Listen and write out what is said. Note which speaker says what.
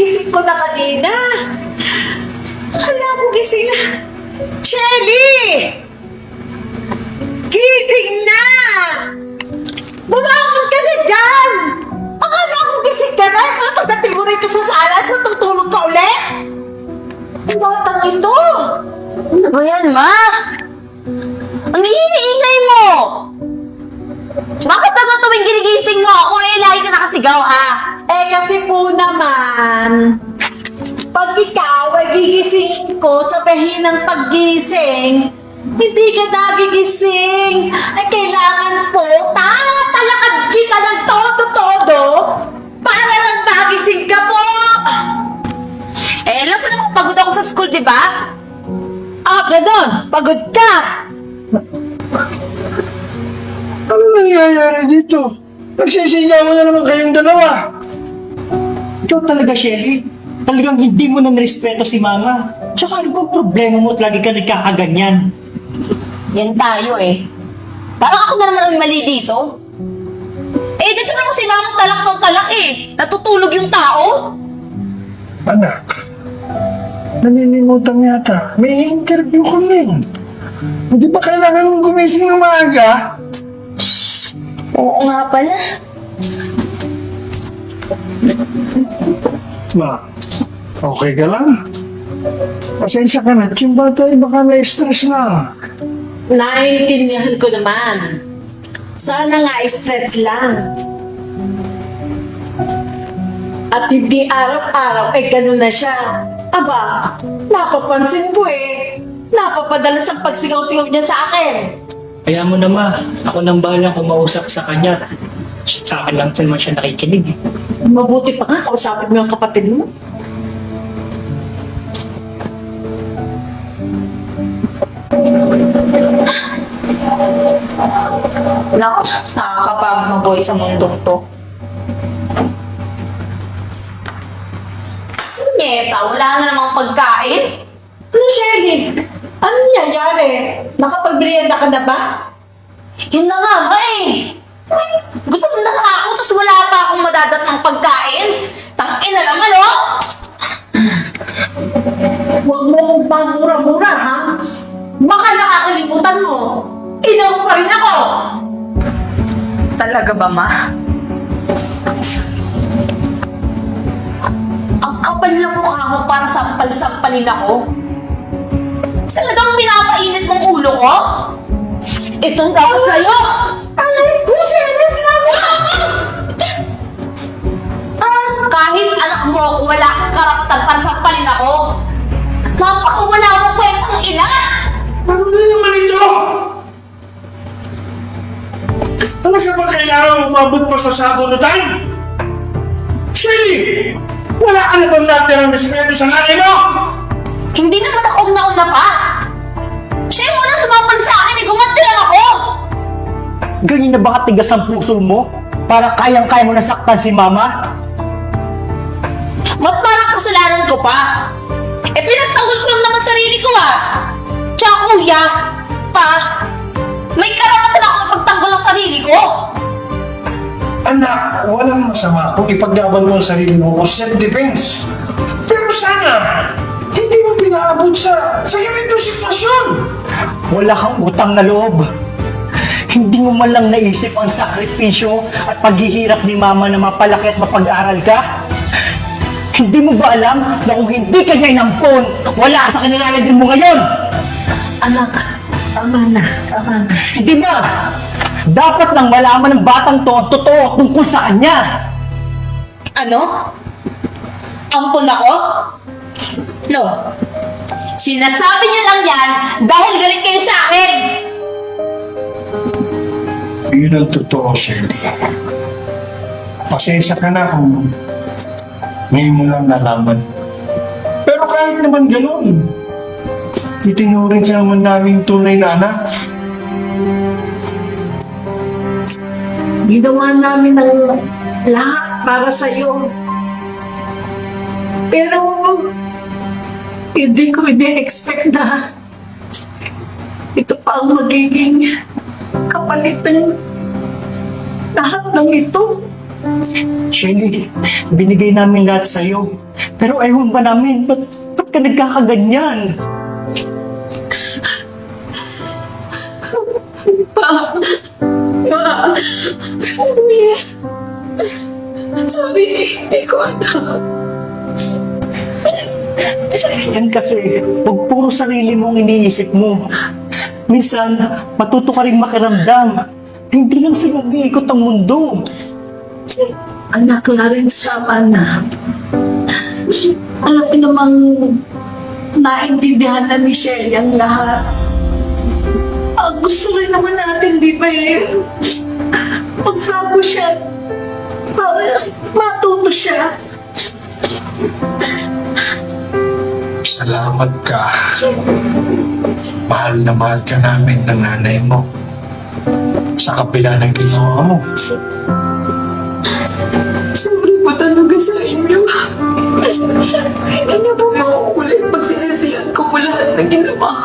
Speaker 1: kagising ko na kanina. Akala ko gising na. Shelly! Gising na! Bumangon ka na dyan! Akala ko gising ka na. Pagdating mo rito sa sala, matutulog ka ulit? Ang batang ito!
Speaker 2: Ano ba yan, Ma? Ang iingay mo! Bakit ba tuwing ginigising mo ako lagi ka nakasigaw, ha?
Speaker 1: Kasi po naman, pag ikaw ay gigising ko sa pahinang paggising, hindi ka nagigising. Ay kailangan po, tatalakad kita ng todo-todo para lang magising ka po.
Speaker 2: Alam mo naman pagod ako sa school, di ba?
Speaker 1: Ganon, pagod ka.
Speaker 3: Ano nangyayari dito? Nagsisigawan na naman kayong dalawa.
Speaker 4: Ikaw talaga, Shelly. Talagang hindi mo na nirespeto si Mama. Tsaka ano bang problema mo at lagi ka nagkakaganyan?
Speaker 2: Yan tayo Parang ako na naman ang mali dito. Dito naman si Mama talak ng talak Natutulog yung tao.
Speaker 3: Anak, naninimutan yata. May interview kami. Hindi ba kailangan gumising ng maaga?
Speaker 2: Oo nga pala.
Speaker 3: Ma, okay ka lang? Pasensya ka na. Yung bata ay baka na-stress na.
Speaker 1: Naintindihan ko naman. Sana nga stress lang. At hindi araw-araw ganun na siya. Aba, napapansin ko Napapadalas ang pagsigaw-sigaw niya sa akin.
Speaker 4: Kaya mo na, Ma. Ako nang bahalang kumausap sa kanya. Sa akin lang naman siya nakikinig.
Speaker 1: Mabuti pa nga, kausapin mo yung kapatid mo.
Speaker 2: Naku, nakakapagod mabuhay sa mundong to. Nyeta, wala na namang pagkain.
Speaker 1: Ano, Shelly? Ano nangyayari? Nakapagbrienda ka na ba?
Speaker 2: Yun na nga ba Gutom na nga ako, tapos wala pa akong madadat ng pagkain. Tangina naman,
Speaker 1: Huwag mo kong pamura-mura, ha? Baka nakakalimutan mo. Ina mo pa rin ako!
Speaker 2: Talaga ba, Ma? Ang kapal na mukha mo para sampal-sampalin ako. Talagang pinapainit mong ulo ko? Itong dapat sa'yo!
Speaker 1: Alay ko, Shelly!
Speaker 2: Kahit anak mo ako, wala kang karapatan para sampalin ako. Napakawala mo kwentang ina!
Speaker 3: Ano na naman ito? Talaga ba kailangan umabot pa sa sabunutan? Shelly! Wala ka na bang natirang respeto sa nanay mo?
Speaker 2: Hindi naman ako nauna pa! Siya yung unang sumapal sa akin, gumanti lang ako!
Speaker 4: Ganyan na ba katigas ang puso mo? Para kayang-kaya mo nasaktan si Mama?
Speaker 2: Mat parang kasalanan ko pa! Pinagtanggol ko lang naman sarili ko Tsaka kuya, pa, may karapatan ako ipagtanggol ang sarili ko!
Speaker 3: Anak, walang masama kung ipaglaban mo ang sarili mo o self-defense. Pero sana, hindi mo pinaabot sa ganitong sitwasyon.
Speaker 4: Wala kang utang na loob. Hindi mo man lang naisip ang sakripisyo at paghihirap ni Mama na mapalaki at mapag-aral ka? Hindi mo ba alam na kung hindi ka niya inampon, wala ka sa kanilalagyan mo ngayon?
Speaker 1: Anak, tama na.
Speaker 4: Hindi ba? Dapat nang malaman ng batang to ang totoo tungkol sa kanya.
Speaker 2: Ano? Ampun ako? No. Sinasabi niyo lang yan dahil galit kayo sa akin!
Speaker 3: Yun ang totoo, Shelly. Pasensya ka na kung ngayon mo lang nalaman. Pero kahit naman gano'n, itinuring ka naman naming tunay na anak.
Speaker 1: Ginawa namin ng lahat para sa'yo. Pero, hindi ko expect na ito pa ang magiging kapalit ng lahat ng ito.
Speaker 4: Shelly, binigay namin lahat sa'yo. Pero ewan ba namin, ba't ka nagkakaganyan?
Speaker 1: Sorry, hindi ko alam.
Speaker 4: Yan kasi, pag puro sarili mong iniisip mo, minsan, matuto ka rin makiramdam. Hindi lang sila umiikot ang mundo.
Speaker 1: Anak, Clarence, tama na. Alam ko namang naintindihan na ni Shelly ang lahat. Ang gusto rin naman natin, di ba magbago siya para matuto siya.
Speaker 3: Salamat ka. Mahal na mahal ka namin ng nanay mo. Sa kabila ng ginawa mo.
Speaker 1: Sorry po talaga sa inyo. Hindi niyo po mauulit pagsisisihan ko po lahat na ginawa ko.